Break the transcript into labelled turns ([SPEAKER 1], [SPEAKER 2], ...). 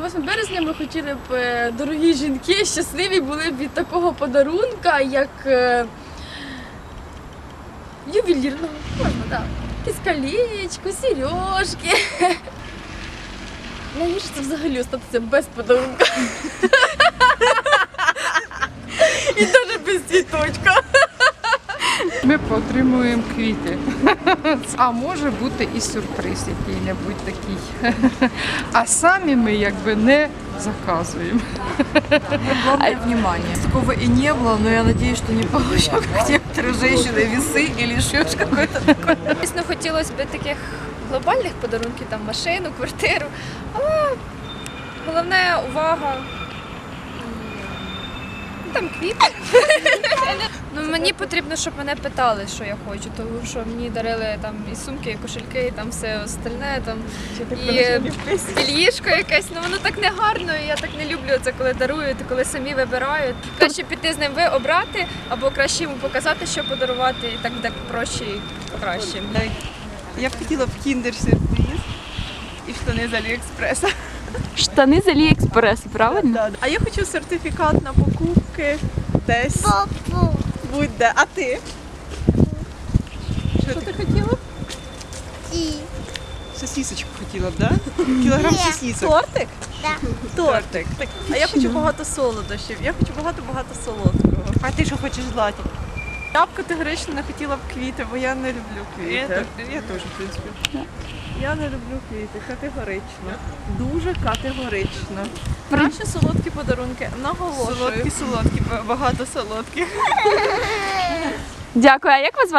[SPEAKER 1] 8 березня ми хотіли б, дорогі жінки, щасливі були б від такого подарунка, як ювелірного, можна, так. Якесь колечко, сережки. Найгірше це взагалі остатися без подарунка. І навіть без цвіточка.
[SPEAKER 2] Ми отримуємо квіти. А може бути і сюрприз який-небудь такий. А самі ми якби не заказуємо.
[SPEAKER 3] Главное внимание. Такого и не было, но я надеюсь, что не получу, как некоторые женщины, весы или еще какое-то такое.
[SPEAKER 4] Звісно, хотілося б таких глобальних подарунків, там машину, квартиру, але головне увага, там квіти. Ну, мені потрібно, щоб мене питали, що я хочу, тому що мені дарили там і сумки, і кошельки, і там все остальне, там і ліжко якесь, ну воно так не гарно, і я так не люблю це, коли дарують, коли самі вибирають. Краще піти з ним обрати, або краще йому показати, що подарувати, і так буде проще і краще.
[SPEAKER 5] Я б хотіла б кіндер-сюрприз і штани з Аліекспреса.
[SPEAKER 6] Штани з Аліекспрес, правильно?
[SPEAKER 5] А я хочу сертифікат на покупки десь. Будь-де. А ти? Що ти хотіла? Сосісочку хотіла б, так? Да? Кілограм сосісок. Тортик?
[SPEAKER 7] Так.
[SPEAKER 5] Тортик. А я хочу багато солодощів. Я хочу багато солодкого. А ти що хочеш, Златі? Я б категорично не хотіла б квіти, бо я не люблю квіти. Я теж, в принципі. Я не люблю квіти, категорично. Дуже категорично. Краще солодкі подарунки, наголошую. Солодкі, багато солодких.
[SPEAKER 6] Дякую. А як вас звати?